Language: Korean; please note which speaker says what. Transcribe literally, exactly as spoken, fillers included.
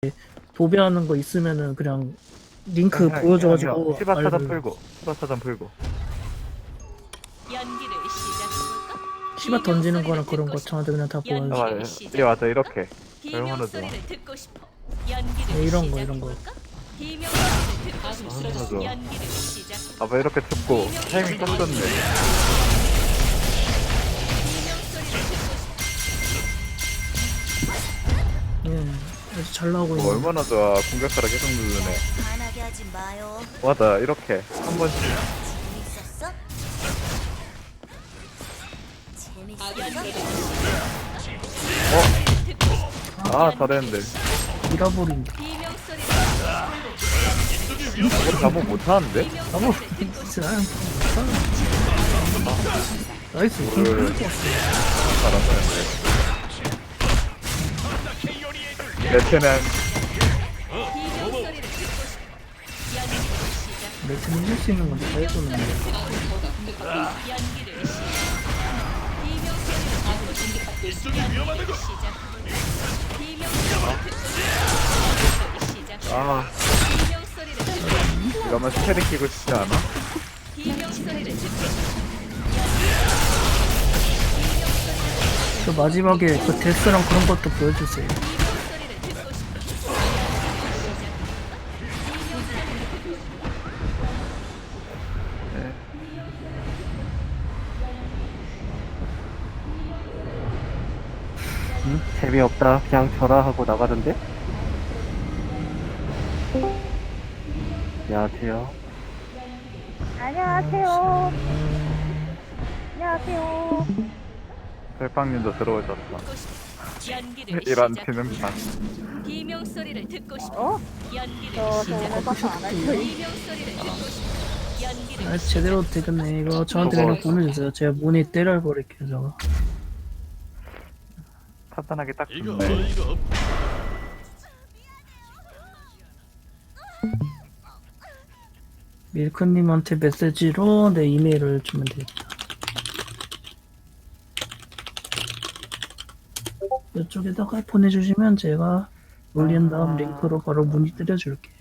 Speaker 1: 도배하는 거 있으면은 그냥 링크
Speaker 2: 형, 형,
Speaker 1: 보여줘가지고
Speaker 2: 형, 형, 시바 차단
Speaker 1: 알려줘요.
Speaker 2: 풀고 시바 차단 풀고
Speaker 3: 연기를 시작해볼까?
Speaker 1: 시바 던지는 거랑
Speaker 3: 비명
Speaker 1: 그런 거
Speaker 3: 소리를
Speaker 1: 저한테 그냥 다
Speaker 3: 듣고 싶어.
Speaker 1: 보여줘.
Speaker 2: 아,
Speaker 3: 연기를
Speaker 2: 예,
Speaker 3: 시작.
Speaker 2: 예 맞아 이렇게
Speaker 3: 비명
Speaker 2: 얼마나 좋아.
Speaker 3: 소리를 듣고 싶어. 연기를
Speaker 1: 네, 이런 거, 이런 거.
Speaker 3: 시작해볼까? 비명 소리를 듣고 싶어.
Speaker 2: 얼마나 좋아.
Speaker 3: 연기를 시작.
Speaker 2: 아봐 이렇게 듣고 타이밍 딱 좋네.
Speaker 3: 비명 소리를 듣고 싶어.
Speaker 1: 예, 아주 잘 나오고
Speaker 2: 뭐
Speaker 1: 있는.
Speaker 2: 얼마나 좋아. 공격하라 계속 누르네.
Speaker 4: 화나게 하지 마요.
Speaker 2: 맞아 이렇게 한 번씩
Speaker 4: 재밌었어? 재밌었어?
Speaker 2: 아 잘했는데
Speaker 1: 잃어버린다.
Speaker 3: 비명 소리를
Speaker 2: 이거 잘못 못하는데?
Speaker 3: 비명
Speaker 1: 아무
Speaker 3: 소리를 듣고 싶어.
Speaker 1: 진짜 나이스.
Speaker 2: 뭐를 잘한다는데 레테는
Speaker 3: 비명 소리를 듣고 싶어. 연기를 시작.
Speaker 1: 매트는 이길 수 있는 건데 다 해주는 거.
Speaker 3: 연기를 시작. 비명 소리를 듣고 싶어. 연기를 시작. 비명 소리를 듣고 싶어. 시작.
Speaker 2: 아
Speaker 3: 비명 소리를 듣고 싶어.
Speaker 2: 이러면 스테리 끼고 싶지 않아?
Speaker 3: 비명 소리를 듣고 싶어.
Speaker 1: 저 마지막에 그 데스랑 그런 것도 보여주세요.
Speaker 3: 비명 소리를 듣고 싶어.
Speaker 5: 응? 재미없다. 그냥 전화 하고 나가던데? 안녕하세요.
Speaker 6: 안녕하세요. 안녕하세요.
Speaker 2: 셀빵님도 들어오셨다.
Speaker 3: 연기를
Speaker 2: 이런
Speaker 3: 시작.
Speaker 2: 지능판.
Speaker 3: 비명 소리를 듣고 싶어.
Speaker 6: 어?
Speaker 3: 연기를
Speaker 6: 저, 저
Speaker 3: 시작.
Speaker 6: 오늘 파트 안 할 거예요.
Speaker 3: 비명 소리를 듣고 싶어. 연기를
Speaker 1: 아,
Speaker 3: 시작.
Speaker 1: 제대로 되겠네. 이거 저한테
Speaker 2: 저거-
Speaker 1: 그냥 보내주세요. 제가 문이 때려버릴게요, 저거.
Speaker 2: 타단하기 딱
Speaker 7: 이거
Speaker 2: 좋네.
Speaker 7: 이거
Speaker 1: 밀크님한테 메시지로 내 이메일을 주면 되겠다. 이쪽에다가 보내주시면 제가 올린 다음 링크로 바로 문의 때려줄게요.